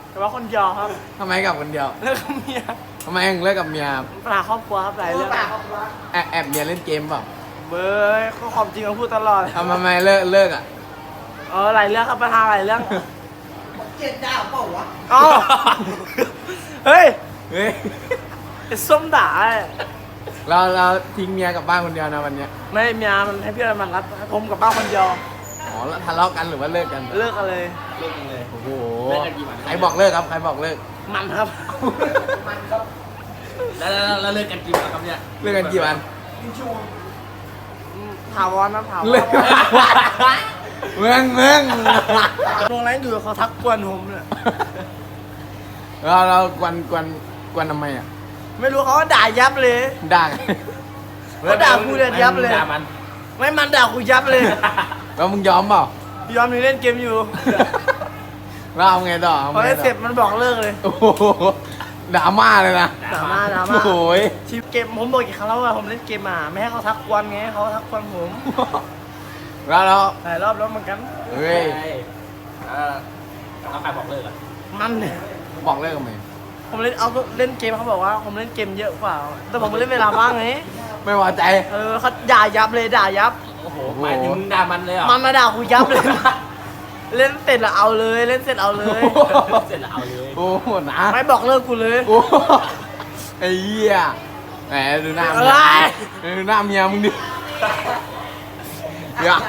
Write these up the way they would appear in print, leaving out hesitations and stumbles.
แต่ว่าคนเดียวครับทำไมกับคนเดียวเลิกกับเมียทำไมถึงเลิกกับเมียปัญหาครอบครัวครับหลายเรื่องแอบเมียเล่นเกมเปล่าเบ้ยก็ความจริงเราพูดตลอดทำไมเลิกอ่ะหลายเรื่องครับปัญหาหลายเรื่องเจ็ดดาวเปล่าวะเอ้าเฮ้ยเฮ้ยไอ้ส้มด่าไอ้เราทิ้งเมียกลับบ้านคนเดียวนะวันเนี้ยไม่เมียมันให้พี่มันรับผมกับบ้านคนเดียวอ๋อแล้วทะเลาะกันหรือว่าเลิกกันเลิกกันเลยเลิกกันเลยโอ้โหเลิกกันกี่วันใครบอกเลิกครับใครบอกเลิกมันครับแล้วเลิกกันกี่วันครับเนี่ยเลิกกันกี่วันถาวรนะถาวรเลิกเมืองตรงนั้นอยู่เขาทักกวนผมเนี่ยเรากวนทำไมอ่ะไม่รู้เขาก็ด่ายับเลยด่าเขาด่ากูเลยยับเลยด่ามันไม่มันด่ากูยับเลยแล้วมึงยอมเปล่ายอมนี่เล่นเกมอยู่แล้วเอาไงต่อพอเล่นเสร็จมันบอกเลิกเลยโอ้โหดราม่าเลยนะด่ามาโอ้โหยทีมเกมผมบอกกี่ครั้งแล้วว่าผมเล่นเกมไม่ให้เขาทักกวนไงเขาทักกวนผมแล้วหลายรอบแล้วเหมือนกันเฮ้ยแล้วใครบอกเลิกอ่ะมันเนี่ยบอกเลิกกันไหมผมเล่นเกมเขาบอกว่าผมเล่นเกมเยอะกว่าแต่ผมเล่นเวลาว่างไงไม่พอใจเขาด่ายับเลยด่ายับโอ้โหหมายถึงมึงด่ามันเลยเหรอมันมาด่ากูยับเลย เล่นเสร็จแล้วเอาเลยเล่นเสร็จเอาเลยเสร็จแล้วเอาเลยโอ้โหนะไม่บอกเลิกกูเลยโอ้โหไอ้เหี้ยแหมดูหน้าอะไรดูหน้าเมียมึงดิเดี๋ยว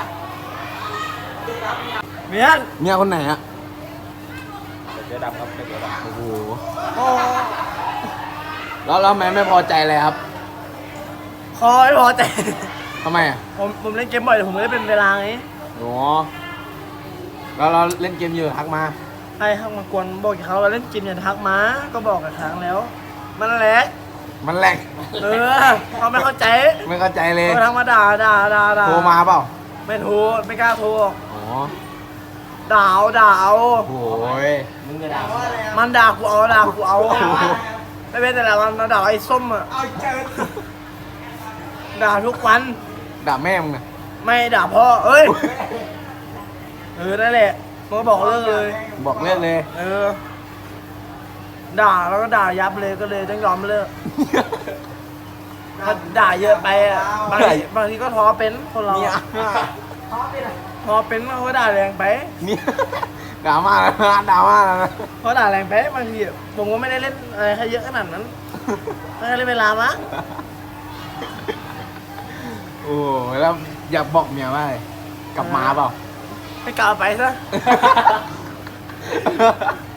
เมียนเมียคนไหนอะเดี๋ยวดำครับเดี๋ยวดำโอ้โหโอ้แล้วแม่ไม่พอใจเลยครับคอไม่พอใจทำไมอะผมเล่นเกมบ่อยแต่ผมไม่ได้เป็นเวลาไงอ๋อแล้วเราเล่นเกมอยู่ทักมาใครทักมากวนบอกกี่ครั้งเราเล่นเกมอย่าทักมาก็บอกกับครั้งแล้ว มันแหลกมันแหลกเขาไม่เข้าใจไม่เข้าใจเลยเขาทักมาด่าโทรมาเปล่าไม่โทรไม่กล้าโทรอ๋อด่าเอาโอ้ยมึงจะด่ามันด่ากูเอาไม่เป็นแต่ละวันมันด่าไอ้ส้มอ่ะเอาเจอด่าทุกวันด่าแม่มึงอะไม่ด่าพ่อเอ้ยนั่นแหละมันก็บอกเลิกเลยบอกเลิกเลยด่าแล้วก็ด่ายับเลยก็เลยต้องยอมเลิกถ้าด่าเยอะไปอ่ะบางทีก็ท้อเป็นคนเราเนี่ยท้อเป็นเขาก็ด่าแรงไปเนี่ยด่ามาแล้วนะด่ามาแล้วนะเขาด่าแรงไปบางทีผมก็ไม่ได้เล่นอะไรให้เยอะขนาดนั้นไม่ได้เล่นเวลามั้งโอ้แล้วอยากบอกเมียว่าอะไรกลับมาเปล่าไม่กล่าวไปซะ